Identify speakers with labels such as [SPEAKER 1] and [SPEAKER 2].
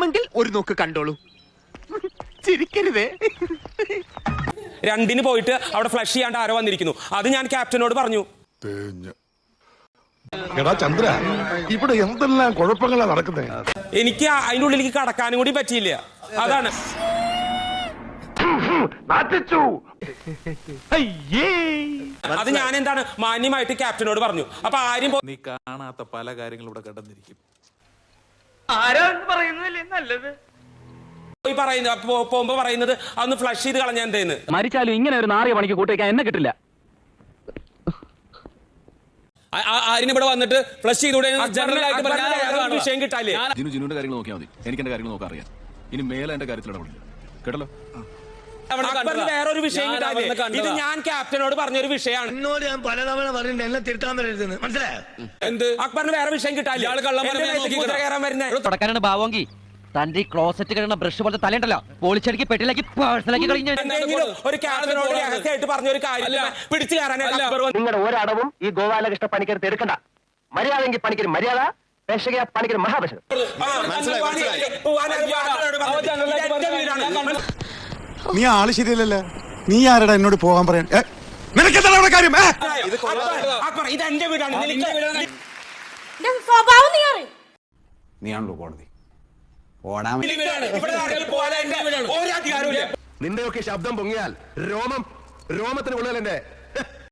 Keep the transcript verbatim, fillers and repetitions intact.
[SPEAKER 1] വേണമെങ്കിൽ ഒരു നോക്ക് കണ്ടോളൂ. ചിരിക്കരുതേ.
[SPEAKER 2] രണ്ടിന് പോയിട്ട് അവിടെ ഫ്ലഷ് ചെയ്യാണ്ട് ആരോ വന്നിരിക്കുന്നു. അത് ഞാൻ ക്യാപ്റ്റനോട് പറഞ്ഞു.
[SPEAKER 3] എടാ ചന്ദ്ര, ഇവിടെ എന്തെല്ലാം കുഴപ്പങ്ങളാണ് നടക്കുന്നത്.
[SPEAKER 2] എനിക്ക് അതിന്റെ ഉള്ളിലേക്ക് കടക്കാനും കൂടി പറ്റിയില്ല. അതാണ് അത് ഞാൻ എന്താണ് മാന്യമായിട്ട് ക്യാപ്റ്റനോട് പറഞ്ഞു. അപ്പൊ ആരും
[SPEAKER 4] നീ കാണാത്ത പല കാര്യങ്ങളും ഇവിടെ കടന്നിരിക്കും.
[SPEAKER 2] നല്ലത് പറയുന്നത് പോകുമ്പോ പറയുന്നത് അന്ന് ഫ്ലഷ് ചെയ്ത് കളഞ്ഞ എന്തേന്ന്.
[SPEAKER 5] മരിച്ചാലും ഇങ്ങനെ ഒരു നാറിയ പണിക്ക് കൂട്ടിവെക്കാൻ എന്നെ കിട്ടില്ല.
[SPEAKER 2] ആരിന് ഇവിടെ വന്നിട്ട് ഫ്ലഷ് ചെയ്തൂടെ വിഷയം കിട്ടാല്ലേ.
[SPEAKER 6] ജിനുവിന്റെ കാര്യങ്ങൾ നോക്കിയാൽ മതി. എനിക്ക് എന്റെ കാര്യങ്ങൾ നോക്കാൻ അറിയാം. ഇനി മേലെ എന്റെ കാര്യത്തിൽ ഇടപെടില്ല. കേട്ടല്ലോ.
[SPEAKER 2] വേറൊരു വിഷയം കിട്ടാല്ലേ. ഇത് ഞാൻ ക്യാപ്റ്റനോട് പറഞ്ഞൊരു വിഷയമാണ്.
[SPEAKER 7] എന്നോട് ഞാൻ പലതവണ പറഞ്ഞിട്ടുണ്ട് എന്നെ തിരുത്താൻ വരരുതെന്ന്. മനസ്സിലായോ?
[SPEAKER 2] എന്ത് അക്ബറിന് വേറെ വിഷയം കിട്ടാല്ലേ. കയറാൻ വരുന്നത്
[SPEAKER 5] തുടക്കാനാണ് ഭാവമെങ്കിൽ തന്റെ ക്ലോസറ്റ് കഴിയുന്ന ബ്രഷ് പോലത്തെ തലയുണ്ടല്ലോ പോളിച്ചടിക്ക് പെട്ടിലാക്കി പേഴ്സണലാക്കി കഴിഞ്ഞു.
[SPEAKER 2] ഒരു ക്യാപ്റ്റനോട് രഹസ്യമായിട്ട് പറഞ്ഞൊരു കാര്യം പിടിച്ചു കയറാനല്ല.
[SPEAKER 5] നിങ്ങളുടെ ഒരടവും ഈ ഗോപാലകൃഷ്ണ പണിക്കരുത്ത് എടുക്കണ്ട. മര്യാദയെങ്കിൽ പണിക്കൊരു മര്യാദ, പേശക പണിക്കൊരു മഹാപേശകം.
[SPEAKER 3] നീ ആള് ശരിയല്ലല്ലോ. നീ ആരടാ എന്നോട് പോകാൻ പറയാൻ? നിനക്കെന്താണ് അവിടെ കാര്യം?
[SPEAKER 2] ഇത് എന്റെ വീടാണ്.
[SPEAKER 3] നീയാണല്ലോ കോടതി.
[SPEAKER 6] നിന്റെയൊക്കെ ശബ്ദം പൊങ്ങിയാൽ രോമം രോമത്തിന് ഉള്ളിൽ എന്റെ